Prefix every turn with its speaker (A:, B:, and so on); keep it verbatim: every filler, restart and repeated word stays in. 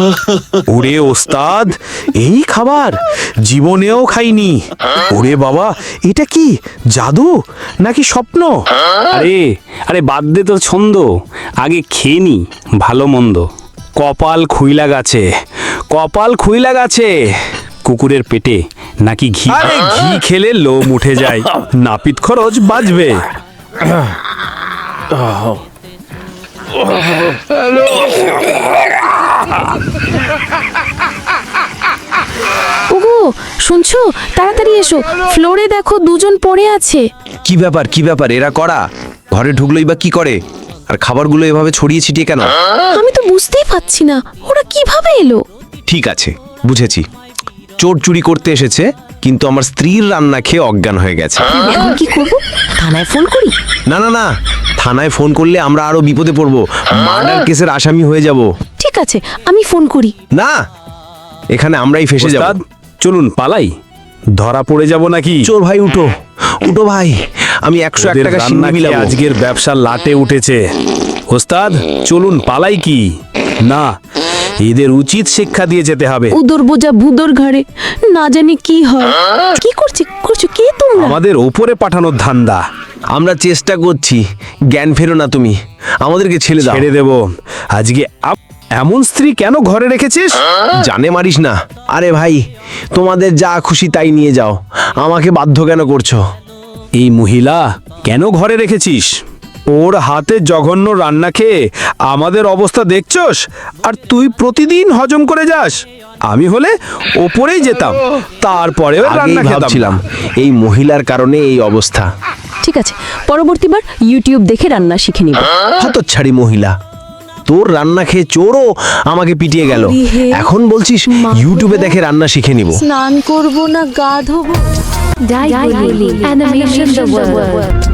A: ওরে ওস্তাদ, এই খাবার জীবনেও খাইনি। ওরে বাবা, এটা কি জাদু নাকি স্বপ্ন?
B: আরে আরে বাদ দে তোর ছন্দ, আগে খেয়ে নি ভালো মন্দ। কপাল খুইলা গাছে, কপাল খুইলা গাছে, কুকুরের পেটে নাকি ঘি।
A: আরে ঘি খেলে লোম উঠে যায়, নাপিত খরচ বাঁচবে।
C: ওগো শুনছো, তাড়াতাড়ি এসো, ফ্লোরে দেখো দুজন পড়ে আছে।
D: কি ব্যাপার কি ব্যাপার এরা করা ঘরে ঢুকলোই বা কি করে? আর খাবারগুলো এভাবে ছড়িয়ে ছিটিয়ে কেন?
C: আমি তো বুঝতেই পারছি না ওরা কিভাবে এলো।
D: ঠিক আছে, বুঝেছি। চোর চুরি করতে এসেছে, কিন্তু আমার স্ত্রীর রান্না খেয়ে অজ্ঞান হয়ে গেছে।
C: এখন কি করব? থানায় ফোন করি?
D: না না না, থানায় ফোন করলে আমরা আরো বিপদে পড়বো, মার্ডার কেসের আসামি হয়ে যাব।
C: ঠিক আছে, আমি ফোন করি।
D: না, এখানে আমরাই ফেসে যাব।
A: ওস্তাদ, চলুন পালাই, ধরা পড়ে যাব নাকি?
D: চোর ভাই উঠো, উঠো ভাই, আমি একশো এক
A: ওদের
D: টাকা
A: রান্না
D: সিন্নি
A: খেয়ে
D: মিলাবো।
A: আজকের ব্যবসা লাটে উঠেছে। ওস্তাদ চলুন পালাই কি না, এদের উচিত শিক্ষা দিয়ে যেতে হবে।
C: উদর বোঝা ভুদর ঘাড়ে, না জানি কি হয়। কি করছে করছো কে তোমরা?
A: আমাদের ওপরে পাঠানোর ধান্দা।
D: আমরা চেষ্টা করছি, জ্ঞান ফেরো না তুমি, আমাদেরকে ছেড়ে দাও।
A: ছেড়ে দেব আজকে। আপ- এমন স্ত্রী কেন ঘরে রেখেছিস?
D: জানে মারিস না। আরে ভাই, তোমাদের যা খুশি তাই নিয়ে যাও, আমাকে বাধ্য কেন করছো?
A: এই মহিলা কেন ঘরে রেখেছিস? ওর হাতে জঘন্য রান্না খেয়ে আমাদের অবস্থা দেখছস, আর তুই প্রতিদিন হজম করে যাস। আমি হলে ওপরেই যেতাম, তারপরেও
D: আগেই
A: রান্না খেতাম।
D: ভাবছিলাম এই মহিলার কারণে এই অবস্থা।
C: ঠিক আছে, পরবর্তীবার ইউটিউব দেখে রান্না শিখে নিব।
D: হতচ্ছাড়ি মহিলা, তোর রান্না খেয়ে চোরও আমাকে পিটিয়ে গেল, এখন বলছিস ইউটিউবে দেখে রান্না শিখে নিব।
C: স্নান করব না গা ধোবো?
E: Daiguli Animation the World.